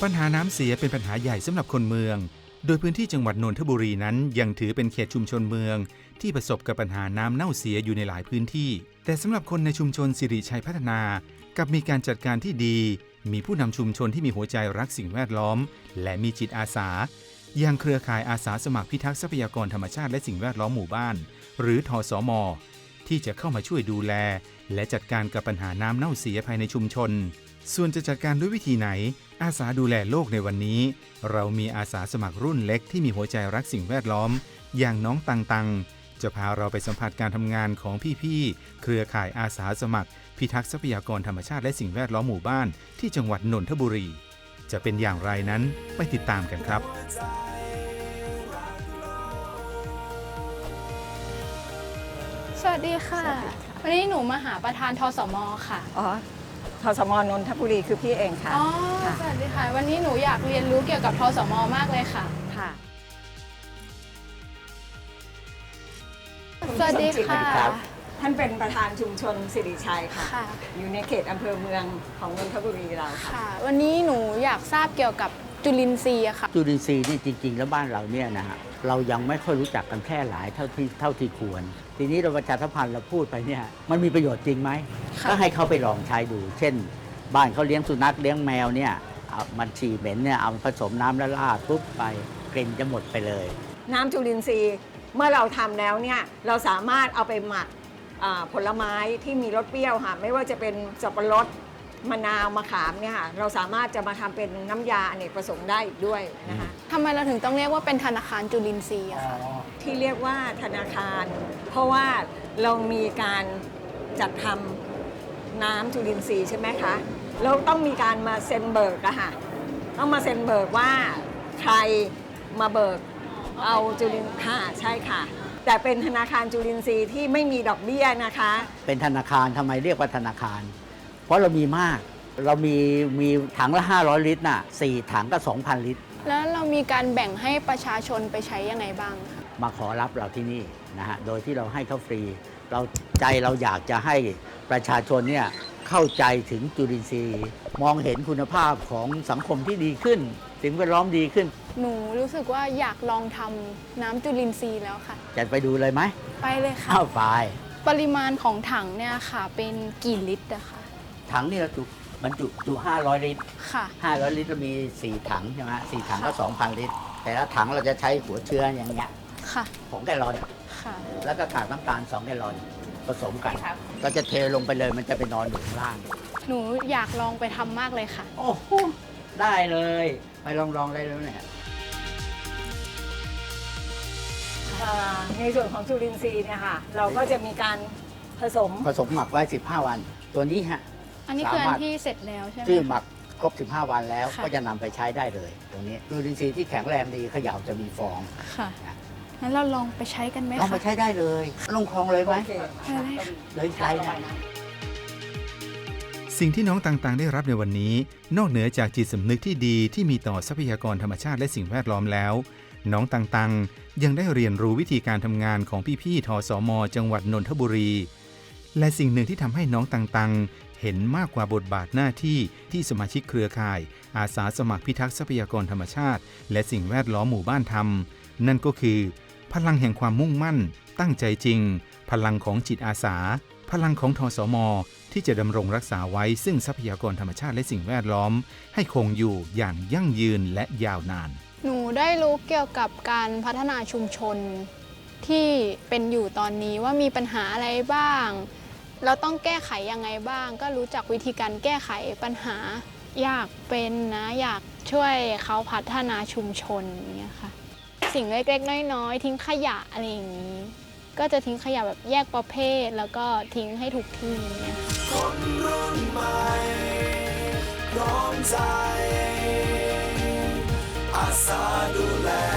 ปัญหาน้ำเสียเป็นปัญหาใหญ่สำหรับคนเมืองโดยพื้นที่จังหวัดนนทบุรีนั้นยังถือเป็นเขตชุมชนเมืองที่ประสบกับปัญหาน้ำเน่าเสียอยู่ในหลายพื้นที่แต่สำหรับคนในชุมชนสิริชัยพัฒนากับมีการจัดการที่ดีมีผู้นำชุมชนที่มีหัวใจรักสิ่งแวดล้อมและมีจิตอาสาอย่างเครือข่ายอาสาสมัครพิทักษ์ทรัพยากรธรรมชาติและสิ่งแวดล้อมหมู่บ้านหรือทสม.ที่จะเข้ามาช่วยดูแลและจัดการกับปัญหาน้ำเน่าเสียภายในชุมชนส่วนจะจัดการด้วยวิธีไหนอาสาดูแลโลกในวันนี้เรามีอาสาสมัครรุ่นเล็กที่มีหัวใจรักสิ่งแวดล้อมอย่างน้องตังจะพาเราไปสัมผัสการทำงานของพี่ๆเครือข่ายอาสาสมัครพิทักษ์ทรัพยากรธรรมชาติและสิ่งแวดล้อมหมู่บ้านที่จังหวัดนนทบุรีจะเป็นอย่างไรนั้นไปติดตามกันครับสวัสดีค่ะวันนี้หนูมาหาประธานทสม.ค่ะทสม.นนทบุรีคือพี่เองค่ะสวัสดีค่ะวันนี้หนูอยากเรียนรู้เกี่ยวกับทสม.มากเลยค่ะสวัสดีค่ะท่านเป็นประธานชุมชนสิริชัยค่ะอยู่ในเขตอำเภอเมืองของนนทบุรีเราค่ะวันนี้หนูอยากทราบเกี่ยวกับจุลินทรีย์ค่ะจุลินทรีย์นี่จริงๆแล้วบ้านเราเนี่ยนะฮะเรายังไม่ค่อยรู้จักกันแพร่หลายเท่าที่ควรทีนี้เราประชาสัมพันธ์เราพูดไปเนี่ยมันมีประโยชน์จริงไหมก็ให้เขาไปลองใช้ดูเช่นบ้านเขาเลี้ยงสุนัขเลี้ยงแมวเนี่ยมันฉี่เหม็นเนี่ยเอาผสมน้ำแล้วราดปุ๊บไปกลิ่นจะหมดไปเลยน้ำจุลินทรีย์เมื่อเราทำแล้วเนี่ยเราสามารถเอาไปหมักผลไม้ที่มีรสเปรี้ยวค่ะไม่ว่าจะเป็นสับปะรดมะนาวมะขามเนี่ยค่ะเราสามารถจะมาทำเป็นน้ำยาอเนกประสงค์ได้อีกด้วยนะคะทำไมเราถึงต้องเรียกว่าเป็นธนาคารจุลินทรีย์อะคะที่เรียกว่าธนาคารเพราะว่าเรามีการจัดทำน้ำจุลินทรีย์ใช่ไหมคะเราต้องมีการมาเซ็นเบิกอะค่ะต้องมาเซ็นเบิกว่าใครมาเบิกเอาจุลินค่ะใช่ค่ะแต่เป็นธนาคารจุลินทรีย์ที่ไม่มีดอกเบี้ยนะคะเป็นธนาคารทำไมเรียกว่าธนาคารเพราะเรามีมากเรามีถังละ500 ลิตรน่ะ4ถังก็ 2,000 ลิตรแล้วเรามีการแบ่งให้ประชาชนไปใช้ยังไงบ้างมาขอรับเราที่นี่นะฮะโดยที่เราให้เขาฟรีเราอยากจะให้ประชาชนเนี่ยเข้าใจถึงจุลินทรีย์มองเห็นคุณภาพของสังคมที่ดีขึ้นสิ่งแวดล้อมดีขึ้นหนูรู้สึกว่าอยากลองทำน้ำจุลินทรีย์แล้วค่ะจะไปดูเลยไหมไปเลยค่ะไปปริมาณของถังเนี่ยค่ะเป็นกี่ลิตรอะคะถังนี่เราบรรจุ500 ลิตรค่ะ 500 ลิตรเรามี4ถังใช่ไหม4ถังก็ 2,000 ลิตรแต่ละถังเราจะใช้หัวเชื้ออย่างเงี้ยค่ะ 2 แกลลอนค่ะแล้วก็กากน้ำตาล2 แกลลอนผสมกันก็จะเทลงไปเลยมันจะไปนอนอยู่ข้างล่างหนูอยากลองไปทำมากเลยค่ะโอ้โหได้เลยไปลองได้แล้วเนี่ยในส่วนของจุลินทรีย์เนี่ยค่ะเราก็จะมีการผสมหมักไว้15 วันตัวนี้ฮะอันนี้คืออันที่เสร็จแล้วใช่ไหมที่หมักครบ15 วันแล้วก็จะนำไปใช้ได้เลยตรงนี้จุลินทรีย์ที่แข็งแรงดีเขย่าจะมีฟองค่ะงั้นเราลองไปใช้กันไหมคะลองไปใช้ได้เลยลงคลองเลยไหมเลยใช้ได้สิ่งที่น้องต่างๆได้รับในวันนี้นอกเหนือจากจิตสำนึกที่ดีที่มีต่อทรัพยากรธรรมชาติและสิ่งแวดล้อมแล้วน้องต่างๆยังได้เรียนรู้วิธีการทำงานของพี่ๆทสม.จังหวัดนนทบุรีและสิ่งหนึ่งที่ทำให้น้องต่างๆเห็นมากกว่าบทบาทหน้าที่ที่สมาชิกเครือข่ายอาสาสมัครพิทักษ์ทรัพยากรธรรมชาติและสิ่งแวดล้อมหมู่บ้านทำนั่นก็คือพลังแห่งความมุ่งมั่นตั้งใจจริงพลังของจิตอาสาพลังของทสม.ที่จะดำรงรักษาไว้ซึ่งทรัพยากรธรรมชาติและสิ่งแวดล้อมให้คงอยู่อย่างยั่งยืนและยาวนานหนูได้รู้เกี่ยวกับการพัฒนาชุมชนที่เป็นอยู่ตอนนี้ว่ามีปัญหาอะไรบ้างเราต้องแก้ไขยังไงบ้างก็รู้จักวิธีการแก้ไขปัญหาอยากเป็นนะอยากช่วยเขาพัฒนาชุมชนอย่างเงี้ยค่ะสิ่งเล็กๆน้อยๆทิ้งขยะอะไรอย่างนี้ก็จะทิ้งขยะแบบแยกประเภทแล้วก็ทิ้งให้ถูกที่อย่างเงี้ยคนรุ่นใหม่พร้อมใจอาสาดูแล